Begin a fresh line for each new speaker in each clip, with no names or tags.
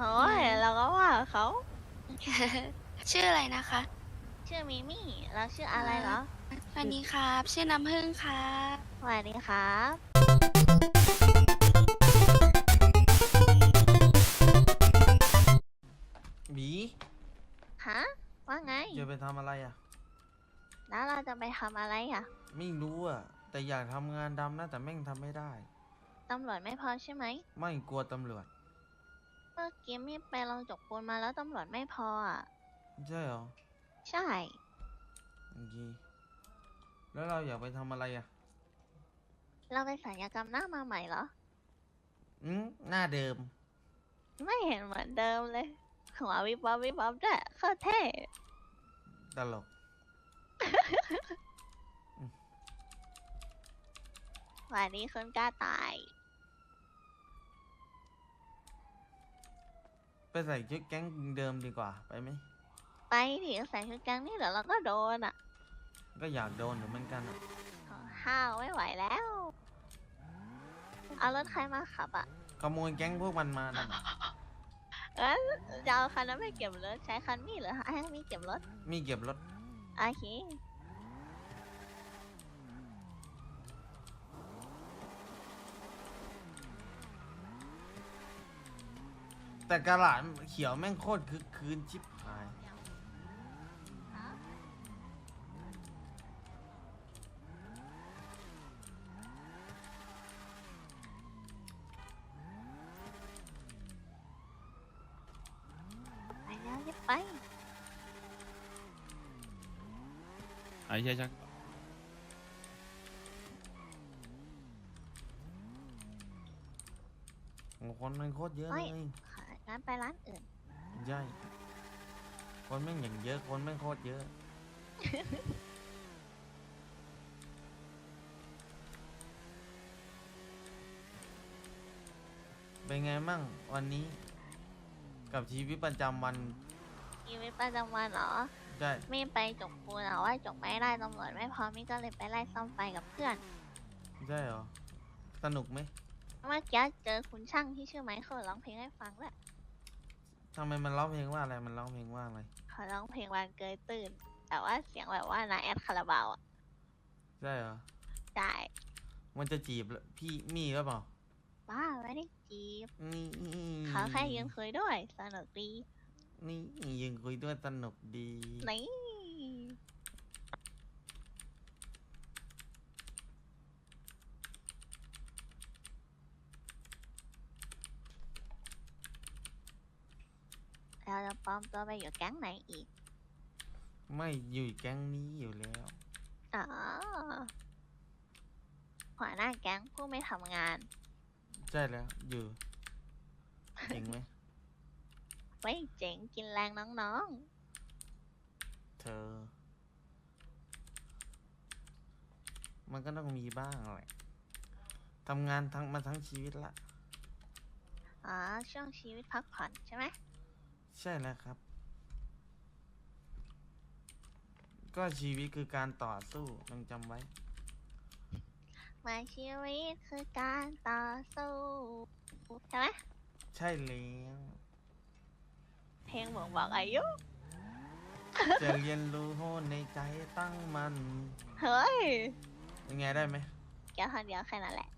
โอ้ยเราก็ว่าเขา
ชื่ออะไรนะคะ
ชื่อมิมี่แล้วชื่อ
อ่า
อะไรเหรอ
สวัสดีครับ ชื่อน้ำผึ้งครับ
สวัสดีครับ
หมี
ฮะว่าไง
จะไปทำอะไรอ่ะ
แล้วเราจะไปทำอะไรอ่ะ
ไม่รู้อ่ะแต่อยากทำงานดำนะแต่แม่งทำไม่ได้
ตำรวจไม่พอใช่ไหม
ไม่กลัวตำรวจ
เมื่อกี้มีไปลองจกปูนมาแล้วตำรวจไม่พออ่ะ
ใช่เหรอ
ใช่
โอเคแล้วเราอยากไปทำอะไรอ่ะ
เราไปศัลยกรรมหน้ามาใหม่เหรอ
หน้าเดิม
ไม่เห็นเหมือนเดิมเลยหัววิบวับวิบวับด้วยโคตรเท่
ตลก
วันนี้คนกล้าตาย
ไปใส่ชุดแก๊งเดิมดีกว่าไปไหม
ไปดิใส่ชุดแก๊งนี่เดี๋ยวเราก็โดนอ่ะ
ก็อยากโดนอยู่เหมือนกันอ่ะ
ห้าวไม่ไหวแล้วเอารถใครมาขับอ่ะ
ขโมยแก๊งพวกมันมาน่ะ
เออจะเอาคันนั้นไปเก็บรถใช้คันนี้เหรือให้มีเก็บรถ
มีเก็บรถ
โอเค
แต่กระหลาดเขียวแม่งโคตรคึกคืนชิบหาย
ไปแล้วรีบไป
ไอ้ใช่ชัก
โอ้คนแม่งโคตรเยอะ
เฮ้
เลย ย
ขอร้านไปร้านอื่น
ใช่คนแม่งอย่างเยอะคนแม่งโคตรเยอะ เป็นไงมั่งวันนี้ กับชีวิตประจำวัน
ชีวิตประจำวันเหรอ
ใช่
ไม่ไปจกปูนเหรอว่าจกไม่ได้ตำรวจไม่พอมิก็เลยไปไล่ซ่อมไฟกับเพื่อน
ใช่เหรอสนุกไหม
เมื่อกี้เจอคุณช่างที่ชื่อไมเคิลร้องเพลงให้ฟังด้วย
ทำไมมันร้องเพลงว่าอะไรมันร้องเพลงว่าอะไร
เขาร้องเพลงวันเกยตื่น แต่ว่าเสียงแบบว่านาแอดคาราบาวอ่ะ
ใช่เหรอ
ได้
มันจะจีบพี่มี่หรือเปล่า
บ้าไม่ได้จีบ
นี่
เขาแค่ยืนคุยด้วยสนุกดี
นี่ยืนคุยด้วยสนุกดี
นี่เราจะปลอมตัวไปอยู่แก๊งไหนอีก
ไม่อยู่แก๊งนี้อยู่แล้ว
อ๋อหัวหน้าแก๊งผู้ไม่ทำงาน
ใช่แล้วอยู่จริงไหม
ไว้เจ๋งกินแรงน้อง
เธอ มันก็ต้องมีบ้างแหละทำงานทั้งชีวิตละ
ๆอ๋อช่วงชีวิตพักผ่อนใช่ไหม
ใช่แล้วครับ ก็ชีวิตคือการต่อสู้ต้องจำไว้
มาชีวิตคือการต่อสู้ใช่ไหม
ใช่แล้ว
เพลงบ่งบอกอายุ
จะเรียนรู้ในใจตั้งมัน
เฮ้ย
เป็นไงได้ไหม
แค่คนเดียวแค่นั้นแหละ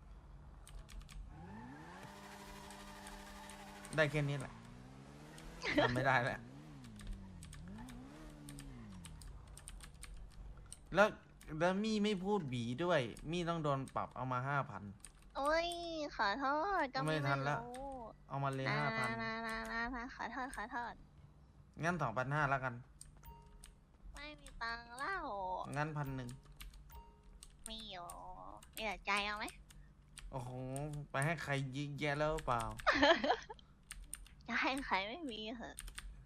ได้แค่นี้แหละทำไม่ได้แล้วแล้วมี่ไม่พูดบีด้วย มี่ต้องโดนปรับเอามา5,000
โอ้ยขอโทษก็
ไม่ทันละ
รู้
เอามาเลย
นะ
5,000
นะขอโทษขอโทษ
งั้น2,500แล้วกัน
ไม่มีตังค์เล่า
งั้น1,100
มีอยู่มีแต่ใจเอาไหม
โอ้โหไปให้ใครยิงแย่แล้วเปล่า
จะให้ใครไม่มีเหอะ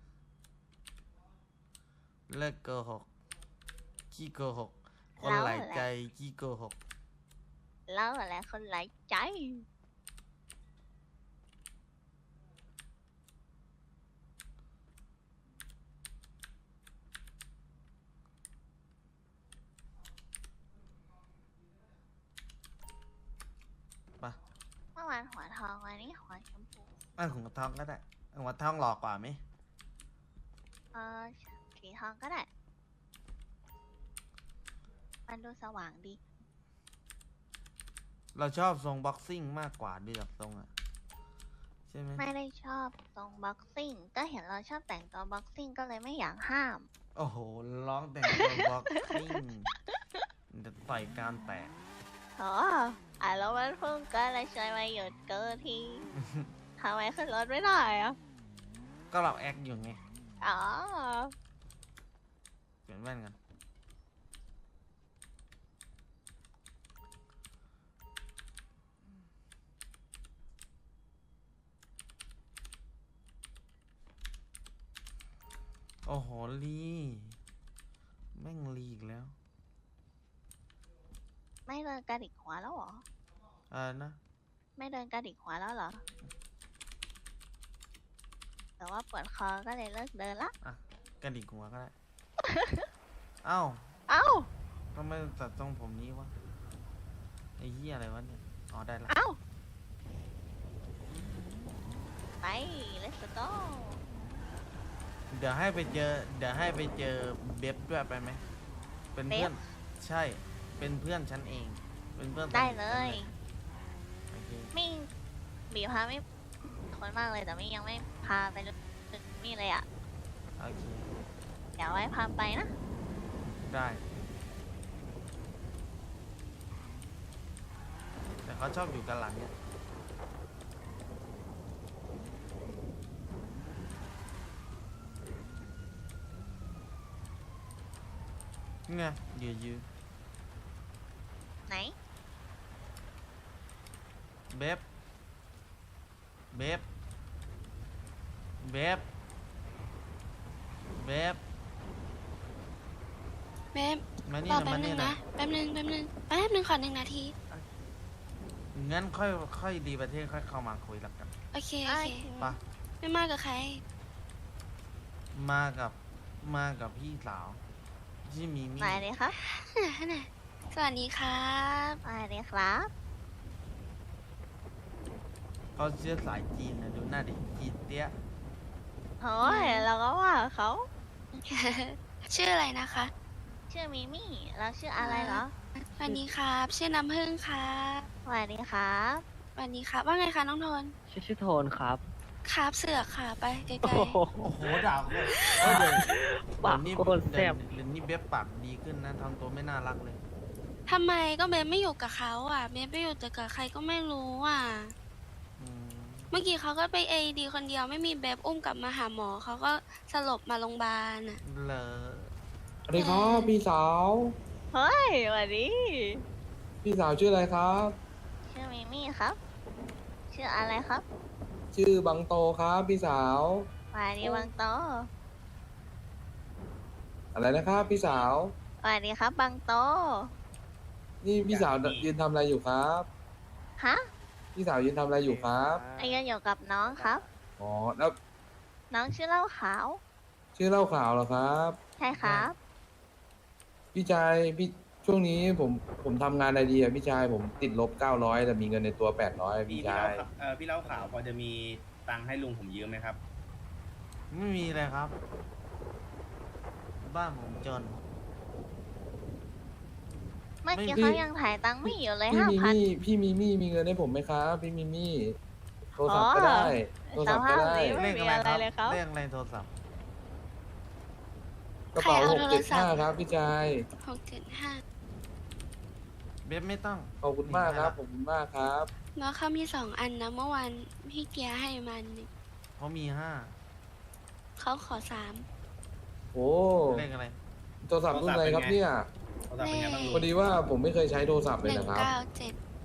เลิกโกหกขี้โกหกคนหลายใจขี้โกหก
แล้วอะไรคนหลายใจ
ปะ
เมื่อวานหัวทองวันนี้หัวชมพู
หัวทองก็ได้วัดทองหล่อกว่าไหม
เออสีทองก็ได้ มันดูสว่างดี
เราชอบทรงบ็อกซิ่งมากกว่าเดือกทรงอะใช่ไหม
ไม่ได้ชอบทรงบ็อกซิ่ง ก็เห็นเราชอบแต่งตัวบ็อกซิ่งก็เลยไม่อยากห้าม
โอ้โหร้องแต่งตัวบ็อกซิ่งจะต่อยกรามแตก
อ๋อแล้วมันเพิ่งก็เลยช่วยมาหยุดเกินทีทำไมขึ้นรถไม่ได้อะ
ก็เราแอคอยู่ไง
อ๋อ
เปลี่ยนแว่นกันโอ้โหลีแม่งลีอีกแล้ว
ไม่เดินกระดิกหัวแล้วเหรอ
นะ
ไม่เดินกระดิกหัวแล้วเหรอ แต่ว่าปวดคอก็เลยเลิกเดินละ
อ่ะกระดิกหัวก็ได้ เอ้า
เอ้า
ทำไมตัดทรงผมนี้วะไอ้เหี้ยอะไรวะเนี่ยอ๋อได้ละ
เอ้า ไป let's go
เดี๋ยวให้ไปเจอเบบด้วยไปไหมเป็นเพื่อน ใช่ เป็นเพื่อนฉันเอง เป็นเพื่อนสนิท
ได้
ฉัน
เลย
โอเค
ไม่บีพาไม่คนมากเลยแต่ไม่ยังไม่พาไปถึงนี่เลยอ่ะ
โอเค
เดี๋ยวไว้พาไปนะ
ได้ แต่เขาชอบอยู่กันหลังเนี่ยไงยืน
ไหน
เบบเบบเบบเบบ
เบฟ
มานี่
รอ
นะ
แป๊
มา
บนึ
นี่
ง
นะ
นะ แป๊บนึงขอ1 นาที
งั้นค่อยดีประเทศค่อยเข้ามาคุยแล้วกัน
โอเค
โอ
โอเค
เค
ปะ
ไม่มากับใคร
มากับพี่สาวที่มีมี่
มาเลยครับ
สวัสดีครับ
มาเลยครับ
เขาเชื้อสายจีนนะดูหน้าดิจีนเตี้ย
โอ้ยเราก็ว่าเขา
ชื่ออะไรนะคะ
ชื่อมิมี่แล้วชื่ออะไรเหรอ
สวัสดีครับ ชื่อน้ำผึ้งครับ
สวัสดีครับ
สวัสดีครับ ว่าไงคะน้องโทน
ชื่อโทนครับ
ครับเสือกค่ะไปไกล
โอ้โห
โอ้โหด่าคนเฮ้ยเดี๋ยว
ปาก
เดี๋ยวนี้
โคตรแซ่บ
เดี๋ยวนี้เบบปากดีขึ้นนะทำตัวไม่น่ารักเลย
ๆทำไมก็เบฟไม่อยู่กับเขาอ่ะเบฟไปอยู่แต่กับใครก็ไม่รู้อ่ะ
อืม
เมื่อกี้เขาก็ไปADคนเดียวไม่มีเบฟอุ้มกลับมาหาหมอเขาก็สลบมาโรงพยาบาลอ่ะ
เหรอ
สวัสดีครับพี่สาว
เฮ้ยสวัสดี
พี่สาวชื่ออะไรครับ
ชื่อมิมี่ครับ ชื่ออะไรครับ
ชื่อบังโตครับพี่สาว
สวัสดีบางโต
อะไรนะครับพี่สาว
สวัสดีครับบางโต
นี่พี่สาวยืนทำอะไรอยู่ครับ
ฮะ
พี่สาวยืนทำอะไรอยู่ครับ
ไอ้ยังอยู่กับน้องครับ
อ๋อแล้ว
น้องชื่อเหล้าขาว
ชื่อเล่าข่าวเหรอครับ
ใช่ครับ
พี่ชายพี่ช่วงนี้ผมทำงานอะไรดีอะพี่ชายผมติดลบ900แต่มีเงินในตัว800พี่ชาย
พี่เล่าข่าวพอจะมีตังค์ให้ลุงผมยืมไหมครับ
ไม่มีเลยครับ บ้านผมจน
เมื่อกี้
ไม่
เขายังถ่ายตังค์ไม่อยู่เลย
พี่มี
5,000
มี่พี่มีมี่มีเงินให้ผมไหมครับพี่มีมี่โทรศัพท์ก็
อ๋อ
ได้โทรศัพท์ก็ได้
สภาพนี้ ไม่มีอะไรเลยครับ
เลขอะไรโทรศัพท์
กระเป๋า
ใครเอาโทรศัพท์
675ครับพี่ชาย
675
เบบไม่ต้อง
ขอบคุณมากครับขอบคุณมากครับ
น้องเขามี2 อันนะเมื่อวานพี่เกียร์ให้มันนี่
เขามี5
เขาขอ
โอ้
เลขอะไร
โทรศัพท์รุ่นอะไรครับเนี่ย
โทรศัพท์เป็นไงบ้างลุง
พอดีว่าผมไม่เคยใช้โทรศัพท์
3
เลยนะครับ
197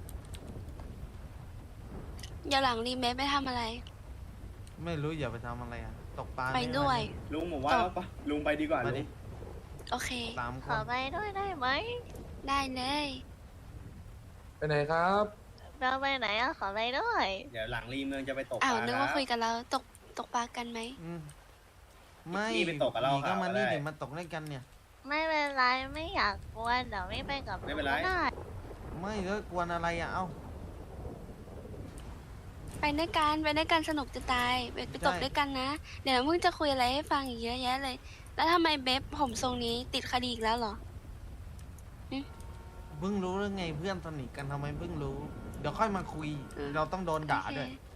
เดี๋ยวหลังรีเมคไปทำอะไร
ไม่รู้อย่าไปทำอะไรอ่ะ ตกปลา
ไปด้วย
ลุงผมว่าแล้วปะลุงไปดีกว่า
มา
ลุ
ดิ
ง
โอเค
3 ค
ขอน ไปด้วยได้ไหม
ได้เลย
ไปไหนครับ
เราไปไหนอะขอไปด้วย
เดี๋ยวหลังรีเมืองจะไปตกป
อ้าว
ลา
นึก
ครั
ว่า
บ
คุยกันแล้วตกปลากันไหม
อืมไม่
นี่ไปตกกับเรา
ก็มานี่
ได้
เดี๋ยวมาตกด้วยกันเนี่ย
ไม่เป็นไรไม่อยากกวนเดี๋ยวไม่ไปกับ
ไม่เป็นไร
ได้
ไม่ก็กวนอะไรอ่ะ เอ้า
ไปด้วยกันสนุกจะตายไปตกด้วยกันนะ เดี๋ยวน้ำพึ่งจะคุยอะไรให้ฟังอีกเยอะแยะเลย แล้วทำไมเบบผมทรงนี้ติดคดีอีกแล้วเหรอ
เพิ่งรู้เรื่องไงเพื่อนสนิทกันทำไมเพิ่งรู้ เดี๋ยวค่อยมาคุย เราต้องโดนด่าด้วย
โอเค